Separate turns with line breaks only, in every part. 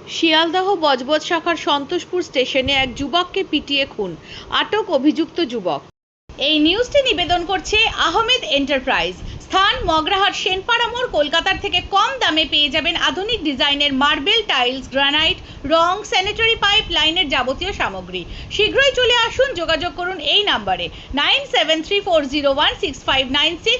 শিয়ালদহ বজবজ শাখার সন্তোষপুর স্টেশনে এক যুবককে পিটিয়ে খুন, আটক অভিযুক্ত যুবক। এই নিউজটি নিবেদন করছে আহমেদ এন্টারপ্রাইজ। স্থান মগরাহাট সেনপাড়া মোড়। কলকাতার থেকে কম দামে পেয়ে যাবেন আধুনিক ডিজাইনের মার্বেল, টাইলস, গ্রানাইট, রং, স্যানিটারি পাইপ লাইনের যাবতীয় সামগ্রী। শীঘ্রই চলে আসুন, যোগাযোগ করুন এই নাম্বারে 9734016596,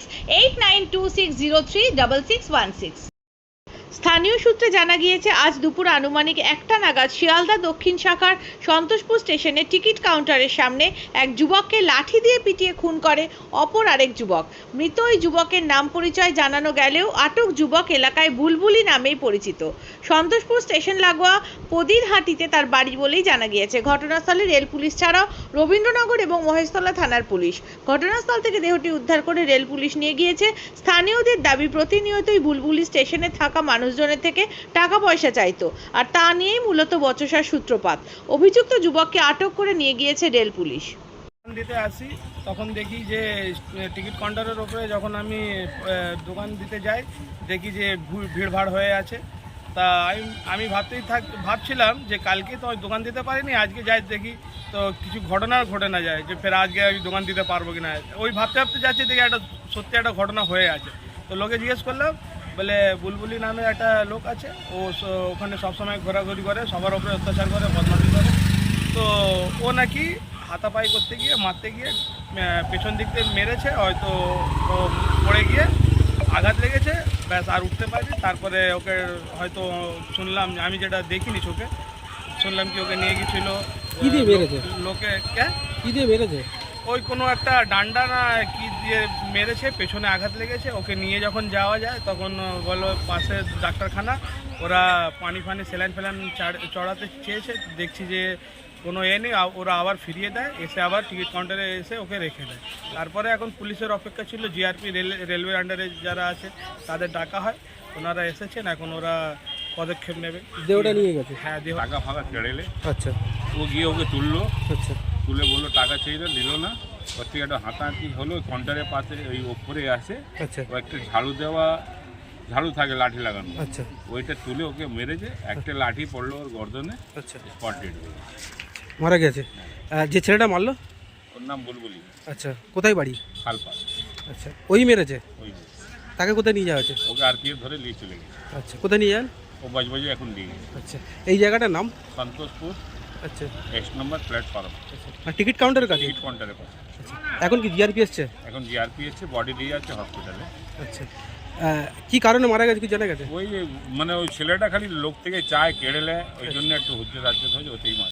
8926036616। স্থানীয় সূত্রে জানা গিয়েছে, আজ দুপুর আনুমানিক 1টা নাগাদ শিয়ালদা দক্ষিণ শাখার সন্তোষপুর স্টেশনে টিকিট কাউন্টারের সামনে এক যুবককে লাঠি দিয়ে পিটিয়ে খুন করে অপর আরেক যুবক। মৃত ওই যুবকের নাম পরিচয় জানানো গেলেও আটক যুবক এলাকায় বুলবুলি নামেই পরিচিত। সন্তোষপুর স্টেশন লাগোয়া পদিরহাটিতে তার বাড়ি বলেই জানা গিয়েছে। ঘটনাস্থলে রেল পুলিশ ছাড়াও রবীন্দ্রনগর এবং মহেশতলা থানার পুলিশ। ঘটনাস্থল থেকে দেহটি উদ্ধার করে রেল পুলিশ নিয়ে গিয়েছে। স্থানীয়দের দাবি, প্রতিনিয়তই বুলবুলি স্টেশনে থাকা মানুষজনের থেকে টাকা পয়সা চাইতো, আর তা নিয়েই মূলত বচসার সূত্রপাত। অভিযুক্ত যুবককে আটক করে নিয়ে গিয়েছে রেল পুলিশ।
দিতে আসি তখন দেখি যে টিকিট কাউন্টারের ওপরে যখন আমি দোকান দিতে যাই, দেখি যে ভিড়ভাড় হয়ে আছে। তা আমি ভাবছিলাম যে কালকে তো দোকান দিতে পারিনি, আজকে যাই দেখি তো কিছু ঘটনা ঘটে না যায়, যে ফের আজকে আমি দোকান দিতে পারবো কি না, ওই ভাবতে যাচ্ছি, দেখি সত্যি একটা ঘটনা হয়ে আছে। তো লোকে জিজ্ঞেস করলাম, বলে বুলবুলি নামে একটা লোক আছে, ও ওখানে সবসময় ঘোরাঘুরি করে, সবার ওপরে অত্যাচার করে, বদমাশি করে। তো ও নাকি হাতাপাই করতে গিয়ে, মারতে গিয়ে পেছন দিক থেকে মেরেছে, হয়তো ও পড়ে গিয়ে আঘাত লেগেছে, ব্যাস আর উঠতে পারেনি। তারপরে ওকে হয়তো শুনলাম, আমি যেটা দেখিনি চোখে, শুনলাম কি ওকে নিয়ে গিয়েছিল লোকে। কি দিয়ে মেরেছে? ওই কোনো একটা ডান্ডা না কি দিয়ে মেরেছে, পেছনে আঘাত লেগেছে। ওকে নিয়ে যখন যাওয়া যায় তখন বলো পাশে ডাক্তারখানা, ওরা পানি স্যালাইন চড়াতে চেয়েছে, দেখছি যে কোনো নেই, ওরা আবার ফিরিয়ে দেয়, এসে আবার টিকিট কাউন্টারে এসে ওকে রেখে দেয়। তারপরে এখন পুলিশের অপেক্ষা ছিল, জিআরপি রেলওয়ে আন্ডারে যারা আছে তাদের ডাকা হয়, ওনারা এসেছেন, এখন ওরা পদক্ষেপ নেবে।
দেহটা নিয়ে গেছে?
হ্যাঁ, দেহ
টাকা ফাঁকা কেড়েলে।
আচ্ছা।
ও গিয়ে ওকে তুললো,
আচ্ছা।
তুলে বললো টাকা চাইলো, নিল না। ওর থেকে একটা হাতাহাতি হলো, কাউন্টারের পাশে ওই ওপরে আসে।
আচ্ছা।
ও একটা ঝাড়ু থাকে লাঠি লাগানো।
আচ্ছা।
ওইটা তুলে ওকে মেরেছে, একটা লাঠি পড়লো ওর গর্দনে।
আচ্ছা।
স্পট ডেড হয়ে
মারা গেছে। যে ছেলেটা মারলো,
ওর নাম বুলবুলি।
আচ্ছা, কোথায় বাড়ি?
খালপা।
আচ্ছা, ওই মেরেছে?
ওই
তাকে কোথায় নিয়ে যাওয়া হয়েছে?
ওকে আরপিএফ ধরে নিয়ে চলে গেছে।
আচ্ছা, কোথায় নিয়ে যান?
ও বজবজে এখন নিয়ে গেছে।
আচ্ছা, এই জায়গাটার নাম?
সন্তোষপুর।
আচ্ছা।
1 নম্বর প্ল্যাটফর্ম।
আচ্ছা, আর টিকিট কাউন্টারের কাছে?
টিকিট কাউন্টারের পাশে।
আচ্ছা, এখন কি জিআরপি এসছে?
এখন জিআরপি এসছে, বডি নিয়ে যাচ্ছে হসপিটালে।
আচ্ছা, কি কারণে মারা গেছে কি জানা গেছে?
ওই মানে ওই ছেলেটা খালি লোক থেকে চায় কেড়ে নেয়, ওই জন্য একটু হুজ্জত হয়েছে, ওতেই মারা।